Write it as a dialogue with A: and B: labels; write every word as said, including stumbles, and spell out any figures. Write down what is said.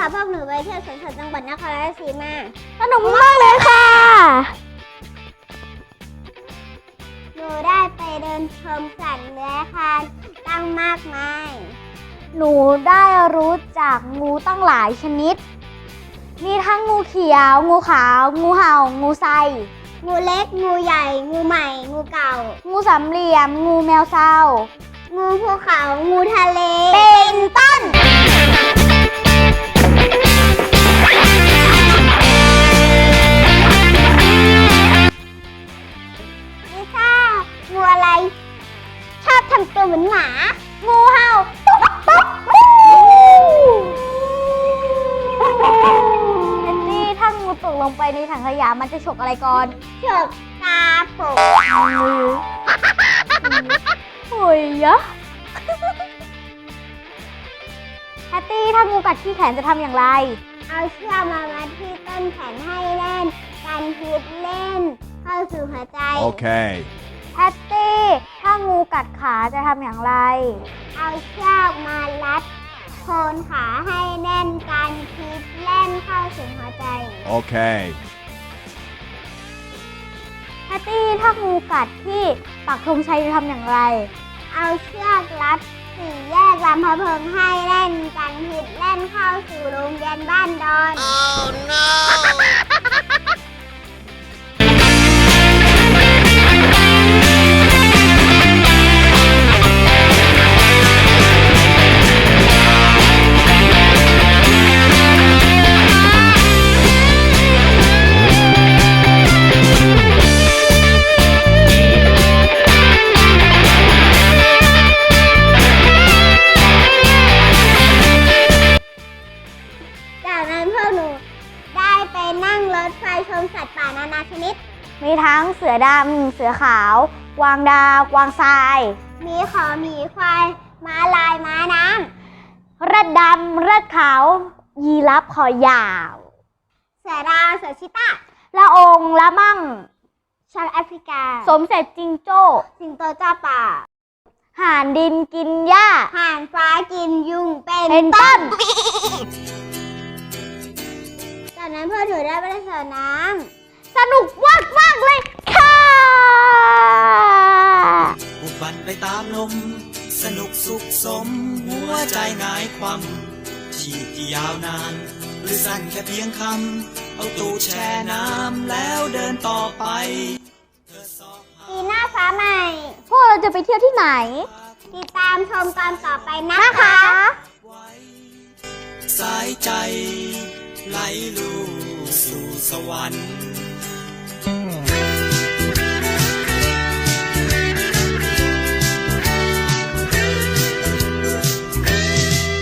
A: พาพวกหนูไปเที่ยวสวนสัตว์จังหวัดนครราชสีมา
B: สนุกมากเลยค่ะ
A: หนูได้ไปเดินชมสัตว์เลื้อยคลานตั้งมากมาย
B: หนูได้รู้จักงูตั้งหลายชนิดมีทั้งงูเขียวงูขาวงูเห่างูไซ
A: งูเล็กงูใหญ่งูใหม่งูเก่า
B: งูสามเหลี่ยมงูแมวเศร้า
A: งูภูเขางูทะเล
B: เป็นต้น
A: ลิซ่างูอะไรชอบทำตัวเหมือนหมา
B: งูเห่าตุ๊บตุ๊บแอนดี้ถ้างูตกลงไปในถังขยะมันจะฉกอะไรก่อน
A: ฉกตาโผล่
B: โอ้ยยะแฮตตี้ถ้างูกัดที่แขนจะทำอย่างไร
A: เอาเชือกมามัดที่ต้นแขนให้แน่นกันพิษเล่นเข้าสู่หัวใจ
C: โอเค
B: แฮตตี้ถ้างูกัดขาจะทำอย่างไร
A: เอาเชือกมารัดโคนขาให้แน่นกันพิษเล่นเข้าสู่หัวใจ
C: โอเค
B: แฮตตี้ถ้างูกัดที่ปักธงชัยจะทำอย่างไร
A: เอาเชือกรัดสี่แยกลำพะเพิงให้แน่นกันพิษเล่นเข้าสู่โรงเรียนบ้านดอน
C: Oh no
A: จากนั้นพวกหนูได้ไปนั่งรถไฟชมสัตว์ป่านานาชนิด
B: มีทั้งเสือดำเสือขาวกวางดาวกวางทราย
A: มีขอหมีควายม้าลายม้าน้
B: ำเร็ดดำเร็ดขาวยีราฟคอยาว
A: เสือดาวเสือชิต้า
B: ละองละมั่ง
A: ช้างแอฟริกา
B: สมเสร็จจิงโจ้
A: สิงโตจ้าป่า
B: ห่านดินกินหญ้า
A: ห่านฟ้ากินยุงเป็น
B: ต้น
A: จากนั้นพวกหนูได้ไปเล่นสระน้
B: ำสนุกมากมากเลยค่ะ
D: บุกบันไปตามลมสนุกสุขสมหัวใจหงายความชีพที่ยาวนานหรือสั้นแค่เพียงคำเอาตู้แช่น้ำแล้วเดินต่อไป
A: ปีหน้าฟ้าใหม่
B: พวกเราจะไปเที่ยวที่ไหน
A: ติดตามชมตอนต่อไปนะคะ
D: สายใจไหลลู่สู่สวรรค์